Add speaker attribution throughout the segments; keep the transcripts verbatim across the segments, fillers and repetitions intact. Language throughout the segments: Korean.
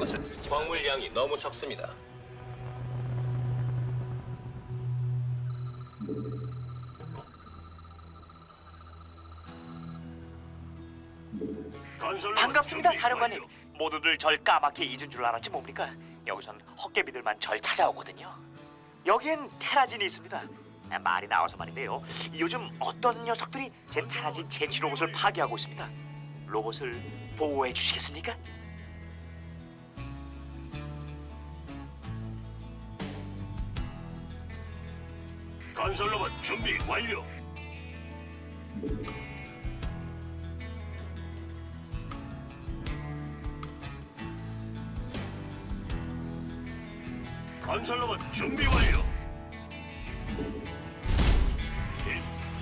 Speaker 1: 것을 들지 마. 광물량이 너무 적습니다.
Speaker 2: 반갑습니다, 사령관님. 모두들 절 까맣게 잊은 줄 알았지 뭡니까? 여기선 헛개비들만 절 찾아오거든요. 여기엔 테라진이 있습니다. 아, 말이 나와서 말인데요. 요즘 어떤 녀석들이 제 테라진 제치 로봇을 파괴하고 있습니다. 로봇을 보호해 주시겠습니까?
Speaker 3: 건설로봇 준비 완료. 건설로봇 준비 완료. 예,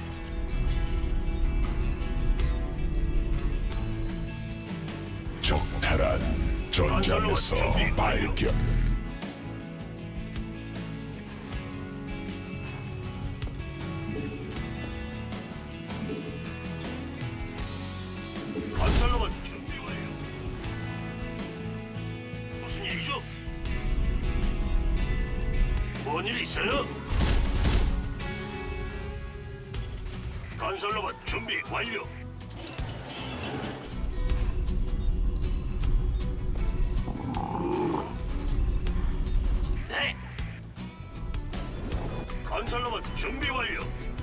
Speaker 4: 적탈한 전장에서 발견.
Speaker 3: 건설로봇 준비 완료. 무슨 일이죠? 뭔 일 있어요? 건설로봇 준비 완료. 네. 건설로봇 준비 완료.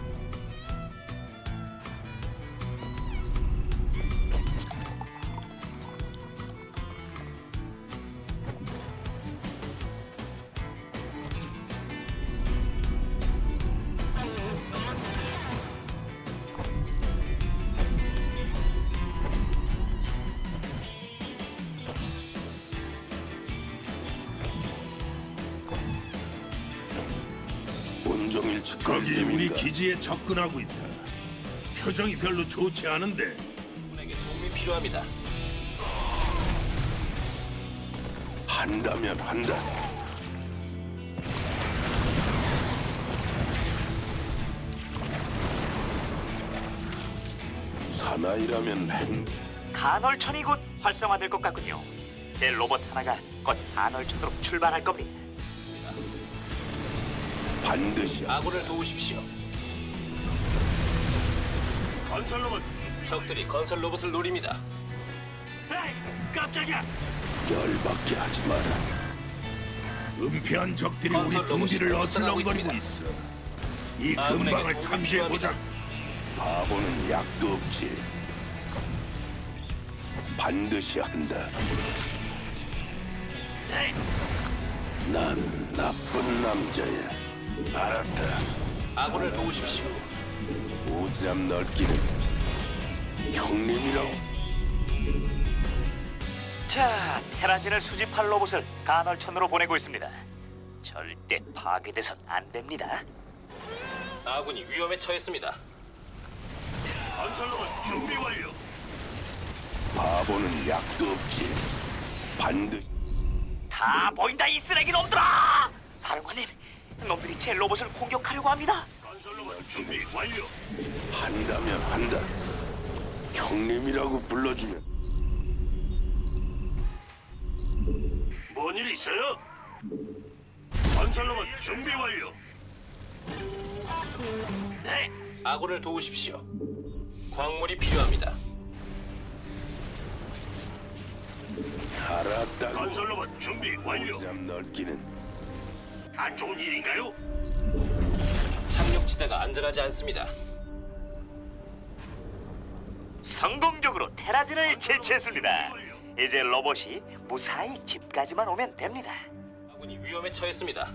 Speaker 4: 온종일
Speaker 5: 적이 우리 기지에 접근하고 있다. 표정이 별로 좋지 않은데.
Speaker 1: 분에게 도움이 필요합니다.
Speaker 4: 한다면 한다. 사나이라면 한
Speaker 2: 간헐천이 곧 활성화될 것 같군요. 제 로봇 하나가 곧 간헐천으로 출발할 겁니다.
Speaker 4: 반드시
Speaker 1: 아군을 도우십시오.
Speaker 3: 건설로봇.
Speaker 1: 적들이 건설 로봇을 노립니다.
Speaker 3: 에이, 깜짝이야.
Speaker 4: 열받게 하지 마라.
Speaker 5: 은폐한 적들이 우리
Speaker 1: 건설
Speaker 5: 둥지를
Speaker 1: 로봇이
Speaker 5: 어슬렁거리고
Speaker 1: 발전하고
Speaker 5: 있어. 이
Speaker 1: 아군에게
Speaker 5: 근방을
Speaker 1: 도움이
Speaker 5: 탐지해 보자.
Speaker 4: 바보는 약도 없지. 반드시 한다.
Speaker 3: 네.
Speaker 4: 난 나쁜 남자야. 알았다.
Speaker 1: 아군을 도우십시오.
Speaker 4: 오지랖 넓기는 형님이라고.
Speaker 2: 자, 테라진을 수집할 로봇을 간헐천으로 보내고 있습니다. 절대 파괴돼선 안 됩니다.
Speaker 1: 아군이 위험에 처했습니다.
Speaker 3: 건설로봇 준비 완료.
Speaker 4: 바보는 약도 없지. 반드시
Speaker 2: 다 보인다, 이 쓰레기 놈들아! 사령관님, 놈들이 제 로봇을 공격하려고 합니다.
Speaker 3: 건설로봇 준비 완료.
Speaker 4: 한다면 한다. 형님이라고 불러주면
Speaker 3: 뭔 일 있어요? 건설로봇 준비 완료. 네.
Speaker 1: 아군을 도우십시오. 광물이 필요합니다.
Speaker 4: 알았다고.
Speaker 3: 건설로봇 준비 완료.
Speaker 4: 오지랖 넓기는
Speaker 3: 안 좋은 일인가요?
Speaker 1: 착륙지대가 안전하지 않습니다.
Speaker 2: 성공적으로 테라진을 제치했습니다. 이제 로봇이 무사히 집까지만 오면 됩니다.
Speaker 1: 아군이 위험에 처했습니다.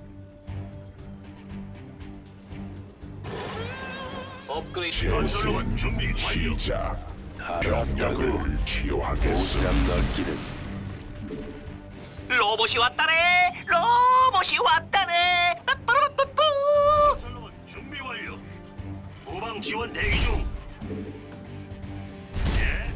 Speaker 1: 업그레이드
Speaker 4: 재생 시작. 병력을 치유하겠어. 오지랖 넓기는
Speaker 2: 로봇이 왔다네! 로봇이 왔다네! 빠빠라빠뿌!
Speaker 3: 건설로봇 준비 완료. 후방 지원 대기 중. 예.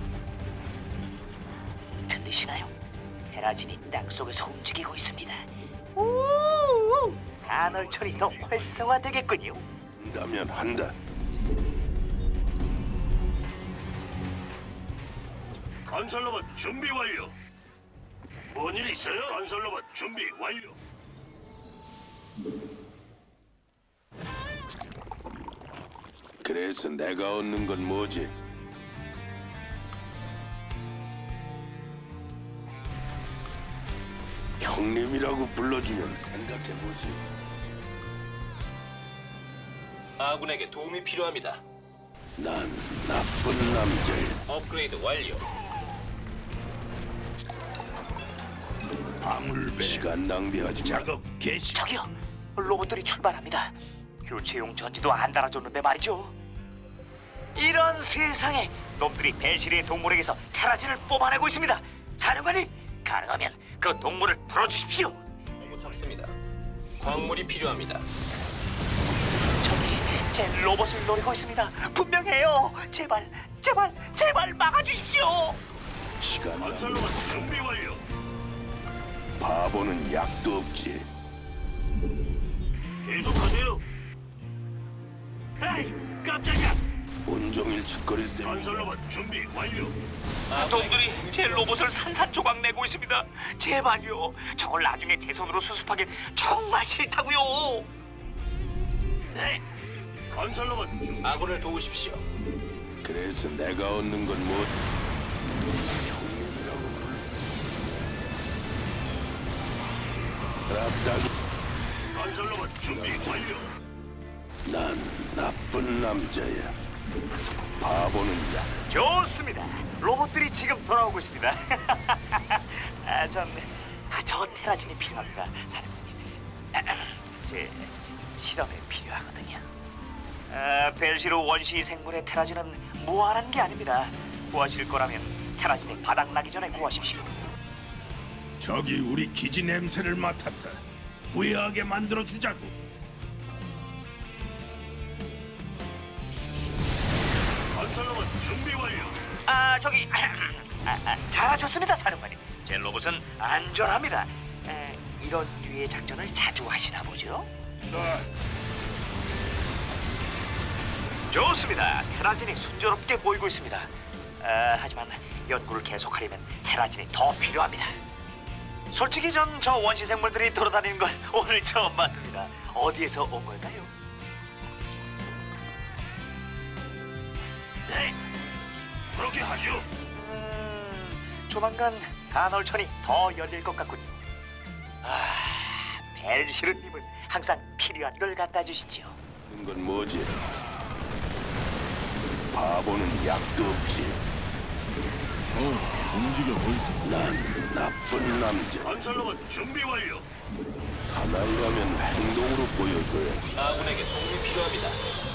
Speaker 2: 들리시나요? 테라진이 땅속에서 움직이고 있습니다. 우! 간헐천이 더 활성화되겠군요.
Speaker 4: 한다면 한다.
Speaker 3: 건설로봇 준비 완료. 뭔일 있어요? 건설로봇 준비 완료.
Speaker 4: 그래서 내가 얻는 건 뭐지? 형님이라고 불러주면 생각해보지.
Speaker 1: 아군에게 도움이 필요합니다.
Speaker 4: 난 나쁜 남자야.
Speaker 1: 업그레이드 완료.
Speaker 5: 방울배
Speaker 4: 시간 낭비하지 마.
Speaker 5: 작업 개시.
Speaker 2: 저기요, 로봇들이 출발합니다. 교체용 전지도 안 달아줬는데 말이죠. 이런 세상에 놈들이 벨시리의 동물에게서 테라진을 뽑아내고 있습니다. 사령관님, 가능하면 그 동물을 풀어주십시오.
Speaker 1: 너무 적습니다. 광물이 필요합니다.
Speaker 2: 저기 제 로봇을 노리고 있습니다. 분명해요. 제발, 제발, 제발 막아주십시오.
Speaker 4: 시간 낭비.
Speaker 3: 건설로봇 준비 완료.
Speaker 4: 바보는 약도 없지.
Speaker 3: 계속하세요. 에이, 깜짝이야.
Speaker 4: 온종일 짓거릴 셈.
Speaker 3: 건설로봇 준비 완료.
Speaker 2: 놈들이 제 로봇을 산산조각 내고 있습니다. 제발요. 저걸 나중에 제 손으로 수습하긴 정말 싫다고요.
Speaker 3: 네. 건설로봇 준비.
Speaker 1: 아군을 도우십시오.
Speaker 4: 그래서 내가 얻는 건 뭐? 형님이라고.
Speaker 3: 건설로봇 준비 완료.
Speaker 4: 난 나쁜 남자야. 바보는 약.
Speaker 2: 좋습니다. 로봇들이 지금 돌아오고 있습니다. 아, 전, 아, 저 테라진이 필요합니다, 사령관님. 아, 제 실험에 필요하거든요. 아, 벨시로 원시 생물의 테라진은 무한한 게 아닙니다. 구하실 거라면 테라진이 바닥나기 전에 구하십시오.
Speaker 5: 저기 우리 기지 냄새를 맡았다. 후회하게 만들어 주자고.
Speaker 3: 건설로봇 준비 완료.
Speaker 2: 아, 저기, 아, 아, 잘하셨습니다, 사령관님. 제 로봇은 안전합니다. 에, 이런 류의 작전을 자주 하시나 보죠? 좋습니다. 테라진이 순조롭게 보이고 있습니다. 아, 하지만 연구를 계속하려면 테라진이 더 필요합니다. 솔직히 전 저 원시 생물들이 돌아다니는 걸 오늘 처음 봤습니다. 어디에서 온 걸까요?
Speaker 3: 네. 그렇게 하죠.
Speaker 2: 음, 조만간 간헐천이 더 열릴 것 같군요. 아, 벨시르님은 항상 필요한 걸 갖다 주시죠.
Speaker 4: 얻는 건 뭐지? 바보는 약도 없지. 난 나쁜 남자.
Speaker 3: 건설로봇 준비 완료.
Speaker 4: 사나이라면 행동으로 보여줘야지.
Speaker 1: 아군에게 도움이 필요합니다.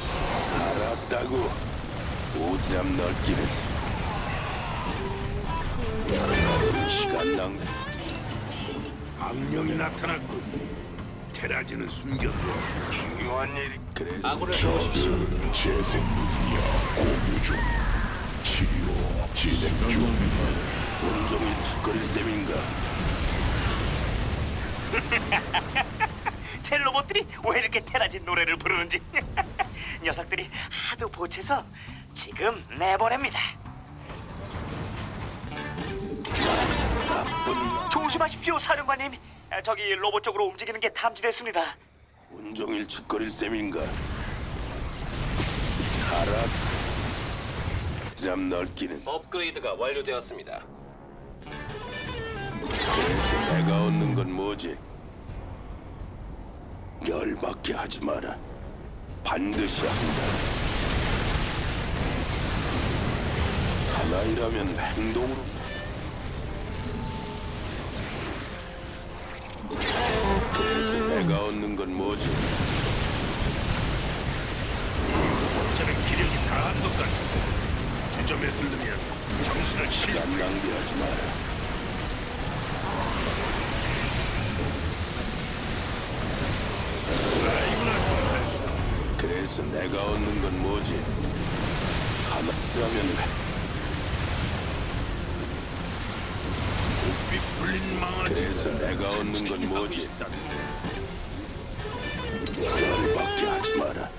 Speaker 4: 알았다고. 오지랖 넓기는. 시간 낭비.
Speaker 5: 악령이 나타났군. 테라진은 숨겨둬.
Speaker 3: 중요한 일.
Speaker 4: 그래서
Speaker 1: 아군을 도우십시오.
Speaker 6: 재생 능력 공유 중. 치료 진행 중.
Speaker 4: 온종일 짓거릴 셈인가?
Speaker 2: 제 로봇들이 왜 이렇게 테라진 노래를 부르는지 녀석들이 하도 보채서 지금 내보냅니다.
Speaker 4: 나쁜
Speaker 2: 조심하십시오, 사령관님. 아, 저기 로봇 쪽으로 움직이는 게 탐지됐습니다.
Speaker 4: 온종일 짓거릴 셈인가? 알았. 오지랖 넓기는.
Speaker 1: 업그레이드가 완료되었습니다.
Speaker 4: 그래서 내가 얻는 건 뭐지? 열받게 하지 마라. 반드시 한다. 사나이라면 행동으로. 그래서 내가 얻는 건 뭐지?
Speaker 5: 어차피 기력이 다한 것 같은데. 주점에 들르면 정신을 차려.
Speaker 4: 시간 낭비하지 마라.
Speaker 5: 아이구나 정말.
Speaker 4: 그래서 내가 얻는 건 뭐지? 사나이라면
Speaker 5: 비 풀린 망아지.
Speaker 4: 그래서 내가 얻는 건 뭐지? 열받게 하지 마라.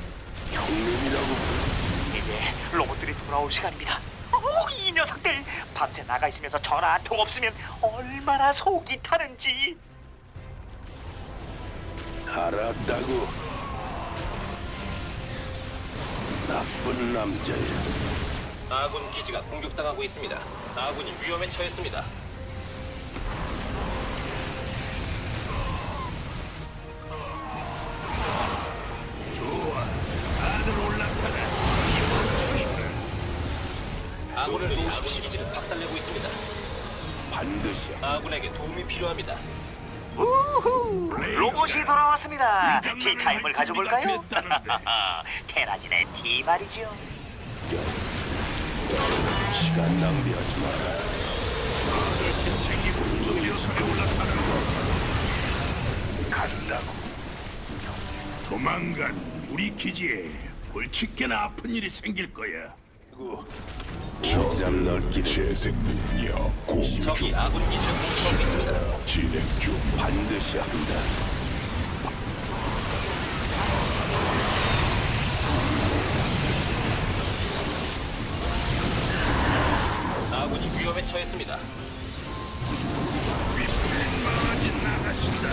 Speaker 4: 형님이라고.
Speaker 2: 이제 로봇들이 돌아올 시간입니다. 오, 이 녀석들 밤새 나가 있으면서 전화 한 통 없으면 얼마나 속이 타는지.
Speaker 4: 알았다고. 나쁜 남자야.
Speaker 1: 아군 기지가 공격당하고 있습니다. 아군이 위험에 처했습니다.
Speaker 5: 좋아. 다들 올라타라.
Speaker 1: 아군을 도우십시오. 기지를 박살내고 있습니다.
Speaker 4: 반드시
Speaker 1: 아군에게 도움이 필요합니다.
Speaker 2: 우후! 로봇이 돌아왔습니다. 티타임을 가져볼까요?
Speaker 5: 됐다는데.
Speaker 2: 테라진의 티 말이죠.
Speaker 4: 시간 낭비하지 마라.
Speaker 5: 짐 챙기고 온종일 요선에 올라타라. 간다고. 조만간 우리 기지에 골칫게나 아픈 일이 생길 거야.
Speaker 4: 그리고 오지랖 넓기는
Speaker 6: 재생 능력 공유
Speaker 1: 적이
Speaker 6: 중
Speaker 1: 아군 기지를 공격하고 있습니다.
Speaker 6: 진행 중
Speaker 4: 반드시 한다.
Speaker 1: 아군이 위험에 처했습니다.
Speaker 5: 윗불마진 나가신다.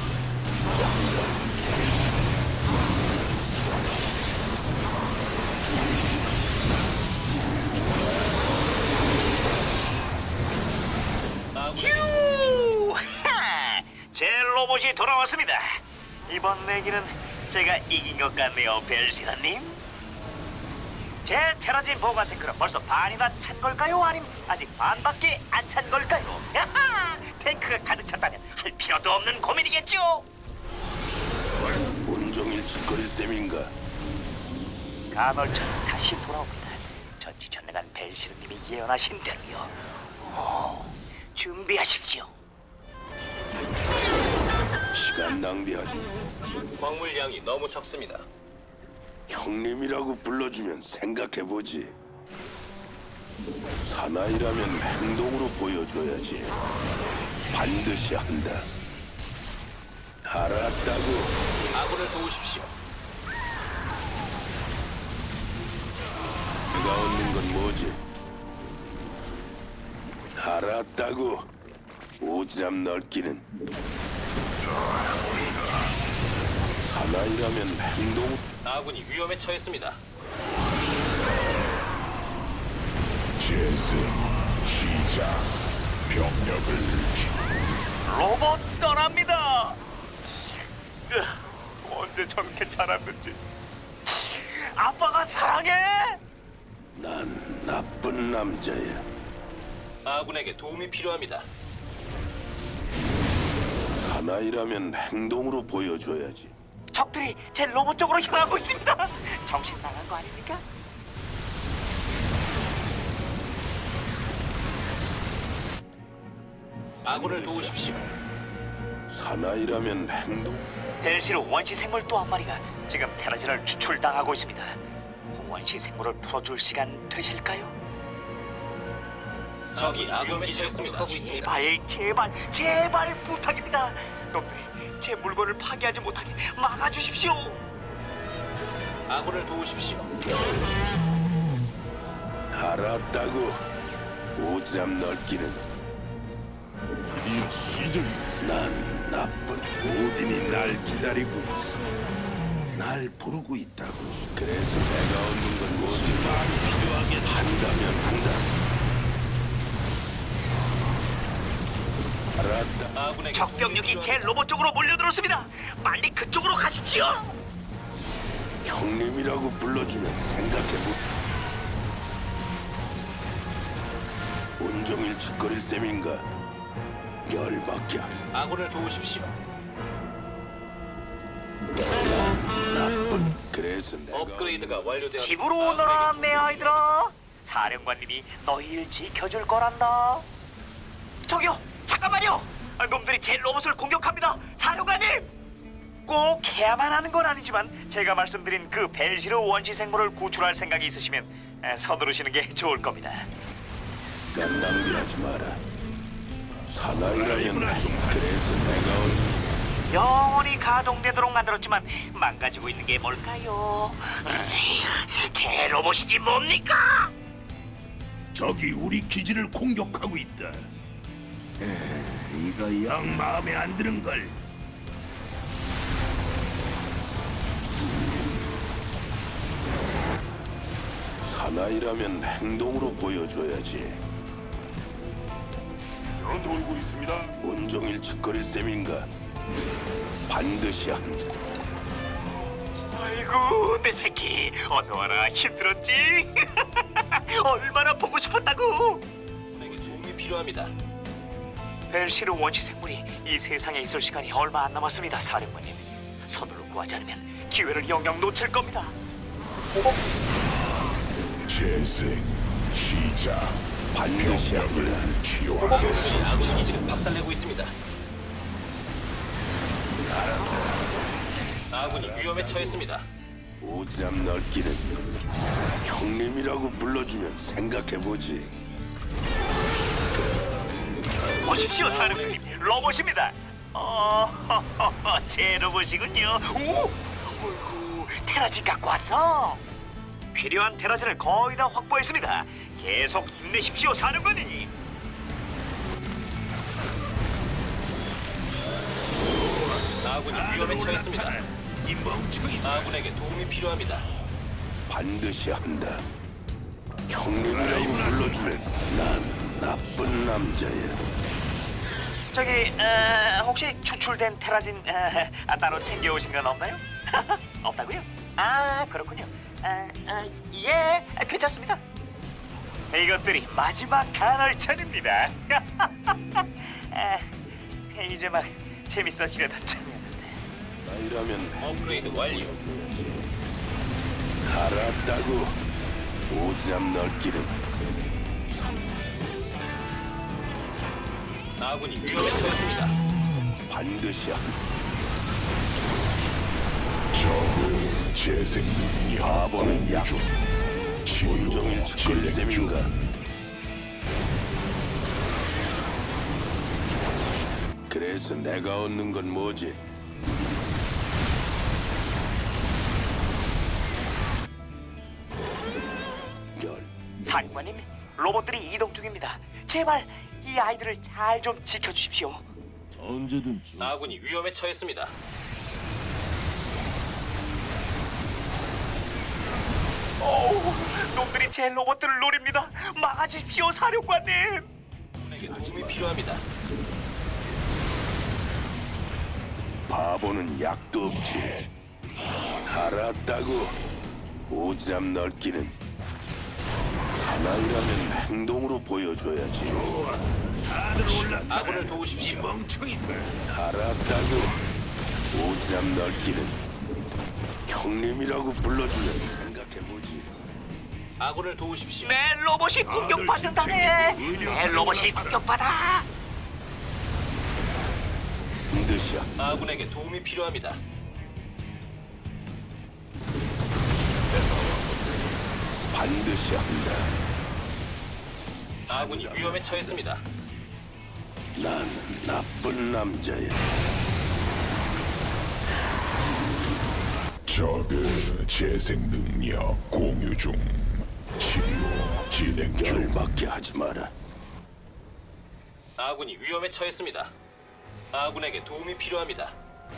Speaker 1: 아군이
Speaker 2: 휴! 하! 제 로봇이 돌아왔습니다. 이번 내기는 제가 이긴 것 같네요, 벨시라님. 제 테라진 보관 탱크는 벌써 반이나 찬 걸까요? 아님 아직 반밖에 안 찬 걸까요? 야하! 탱크가 가득 찼다면 할 필요도 없는 고민이겠죠?
Speaker 4: 온종일 짓거릴 셈인가?
Speaker 2: 간헐천이 다시 돌아옵니다. 전지전능한 벨시르님이 예언하신 대로요. 오, 준비하십시오.
Speaker 4: 시간 낭비하지.
Speaker 1: 광물량이 너무 적습니다.
Speaker 4: 형님이라고 불러주면 생각해보지. 사나이라면 행동으로 보여줘야지. 반드시 한다. 알았다고.
Speaker 1: 아군을 도우십시오.
Speaker 4: 내가 얻는 건 뭐지? 알았다고. 오지랖 넓기는. 사나이라면 행동.
Speaker 1: 아군이 위험에 처했습니다.
Speaker 6: 재생 시작 병력을
Speaker 2: 로봇 떠납니다. 으, 언제 저렇게 자랐는지. 아빠가 사랑해.
Speaker 4: 난 나쁜 남자야.
Speaker 1: 아군에게 도움이 필요합니다.
Speaker 4: 사나이라면 행동으로 보여줘야지.
Speaker 2: 적들이 제 로봇 쪽으로 향하고 있습니다. 정신 나간 거 아닙니까?
Speaker 1: 아군을 도우십시오.
Speaker 4: 사나이라면 행동.
Speaker 2: 벨시르 원시 생물 또 한 마리가 지금 테라진을 추출당하고 있습니다. 원시 생물을 풀어줄 시간 되실까요?
Speaker 1: 적이 아군 기지를 공격하고 있습니다.
Speaker 2: 제발 제발 제발 부탁입니다. 놈들이 제 물건을 파괴하지 못하게 막아주십시오.
Speaker 1: 아군을 도우십시오.
Speaker 4: 알았다고. 오지랖 넓기는.
Speaker 6: 드디어 시작이
Speaker 4: 난 나쁜.
Speaker 5: 오딘이 날 기다리고 있어. 날 부르고 있다고.
Speaker 4: 그래서 내가 얻는 건 뭐지? 필요하게 한다면 한다. 알았다.
Speaker 1: 아군에게
Speaker 2: 적병력이
Speaker 1: 도움이
Speaker 2: 제
Speaker 1: 필요합니다.
Speaker 2: 로봇 쪽으로 몰려들었습니다. 빨리 그쪽으로 가십시오.
Speaker 4: 형님이라고 불러주면 생각해보. 온종일 짓거릴 셈인가? 열받게.
Speaker 1: 아군을 도우십시오.
Speaker 4: 나쁜. 그래서 내가
Speaker 1: 업그레이드가 완료되었습니다.
Speaker 2: 집으로 오너라 내 아이들아. 사령관님이 너희를 지켜줄 거란다. 저기요 잠깐만요. 아, 놈들이 제 로봇을 공격합니다. 사령관님. 꼭 해야만 하는 건 아니지만 제가 말씀드린 그 벨시르 원시 생물을 구출할 생각이 있으시면 에, 서두르시는 게 좋을 겁니다.
Speaker 4: 난 낭비하지 마라. 사나이라면 그래서 내가 얻는.
Speaker 2: 영원히 가동되도록 만들었지만 망가지고 있는 게 뭘까요? 음, 제 로봇이지 뭡니까?
Speaker 5: 적이 우리 기지를 공격하고 있다. 이거 영 마음에 안 드는 걸.
Speaker 4: 사나이라면 행동으로 보여줘야지.
Speaker 3: 전투 오고 있습니다.
Speaker 4: 온종일 짓거릴 셈인가? 반드시 한다.
Speaker 2: 아이고 내 새끼 어서 와라. 힘들었지? 얼마나 보고 싶었다고.
Speaker 1: 아군에게 도움이 필요합니다.
Speaker 2: 벨시르 원시 생물이 이 세상에 있을 시간이 얼마 안 남았습니다, 사령관님. 서둘러 구하지 않으면 기회를 영영 놓칠 겁니다.
Speaker 6: 재생 시작.
Speaker 4: 반드시 합니다.
Speaker 6: 병력을 치유하겠어.
Speaker 1: 아군 기지가 박살내고 있습니다. 아군이 위험에 처했습니다.
Speaker 4: 오지랖 넓기는 형님이라고 불러주면 생각해보지.
Speaker 2: 보십시오, 사령관님. 로봇입니다. 어, 제 로봇이군요. 오, 어이구, 테라진 갖고 왔어. 필요한 테라진을 거의 다 확보했습니다. 계속 힘내십시오, 사령관님.
Speaker 1: 아군이 위험에 처했습니다.
Speaker 5: 이 멍청이.
Speaker 1: 아군에게 도움이 필요합니다.
Speaker 4: 반드시 한다. 형님이라고 불러주면 난 나쁜 남자야.
Speaker 2: 저기 어, 혹시 추출된 테라진 어, 아, 따로 챙겨오신 건 없나요? 없다고요? 아 그렇군요. 아, 아, 예, 괜찮습니다. 이것들이 마지막 간헐천입니다. 아, 이제 막 재밌어지려던 참이었는데.
Speaker 4: 나이라면
Speaker 1: 업그레이드 완료.
Speaker 4: 알았다고. 오지랖 넓기는
Speaker 1: 아군이 위험에 처했습니다.
Speaker 4: 반드시 한다.
Speaker 6: 적의 재생 능력
Speaker 4: 바보는 약.
Speaker 6: 중. 치유
Speaker 4: 온종일 짓거릴
Speaker 6: 진행
Speaker 4: 셈인가?
Speaker 6: 중.
Speaker 4: 그래서 내가 얻는 건 뭐지? 열.
Speaker 2: 사령관님, 로봇들이 이동 중입니다. 제발 이 아이들을 잘 좀 지켜주십시오.
Speaker 1: 아군이 위험에 처했습니다.
Speaker 2: 어우, 놈들이 제 로봇들을 노립니다. 막아주십시오, 사령관님.
Speaker 1: 아군에게 도움이 필요합니다.
Speaker 4: 바보는 약도 없지. 알았다고. 오지랖 넓기는 사나이라면 행동으로 보여줘야지.
Speaker 5: 다들 올라타.
Speaker 1: 아군을
Speaker 5: 이
Speaker 1: 도우십시오.
Speaker 5: 멍청이들.
Speaker 4: 알았다고. 오지랖 넓기는 형님이라고 불러주면 생각해보지.
Speaker 1: 아군을 도우십시오.
Speaker 2: 내 로봇이 공격받는다네. 내 로봇이 공격받아.
Speaker 4: 반드시 한다.
Speaker 1: 아군에게 도움이 필요합니다.
Speaker 4: 반드시 한다.
Speaker 1: 아군이 위험에 처했습니다.
Speaker 4: 난 나쁜 남자야.
Speaker 6: 적의 재생 능력 공유 중. 치료 진행 중.
Speaker 4: 열받게 하지 마라.
Speaker 1: 아군이 위험에 처했습니다. 아군에게 도움이 필요합니다.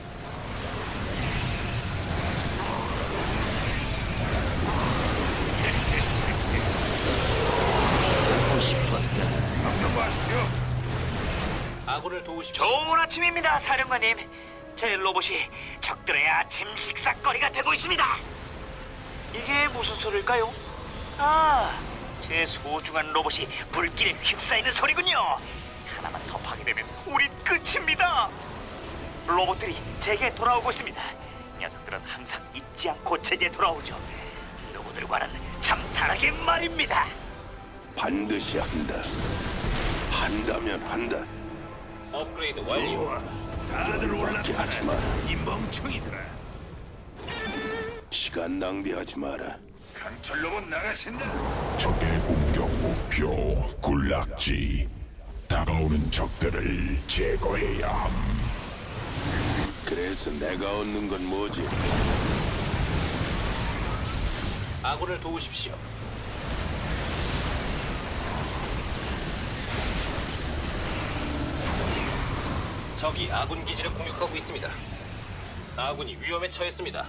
Speaker 1: 아군을 도우십시오.
Speaker 2: 좋은 아침입니다, 사령관님. 제 로봇이 적들의 아침 식사거리가 되고 있습니다. 이게 무슨 소리일까요? 아, 제 소중한 로봇이 불길에 휩싸이는 소리군요. 하나만 더 파괴되면 우린 끝입니다. 로봇들이 제게 돌아오고 있습니다. 녀석들은 항상 잊지 않고 제게 돌아오죠. 누구들과는 참 다르게 말입니다.
Speaker 4: 반드시 한다. 한다면 한다.
Speaker 1: 업그레이드 완료.
Speaker 5: 좋아. 다들
Speaker 4: 열받게 하지 마라.
Speaker 5: 올라타. 이 멍청이들아.
Speaker 4: 시간 낭비하지 마라.
Speaker 3: 강철로봇 나가신다.
Speaker 6: 적의 공격 목표 군락지. 다가오는 적들을 제거해야 함.
Speaker 4: 그래서 내가 얻는 건 뭐지?
Speaker 1: 아군을 도우십시오. 적이 아군 기지를 공격하고 있습니다. 아군이 위험에 처했습니다.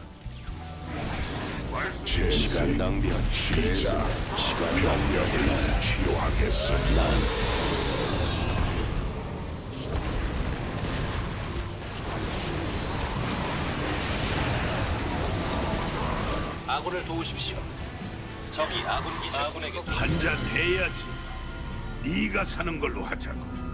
Speaker 6: 시간 낭비한 시작. 시간 병력을 치료하겠어.
Speaker 1: 아군을 도우십시오. 적이 아군 기지 아군에게
Speaker 5: 한잔 해야지. 네가 사는 걸로 하자고.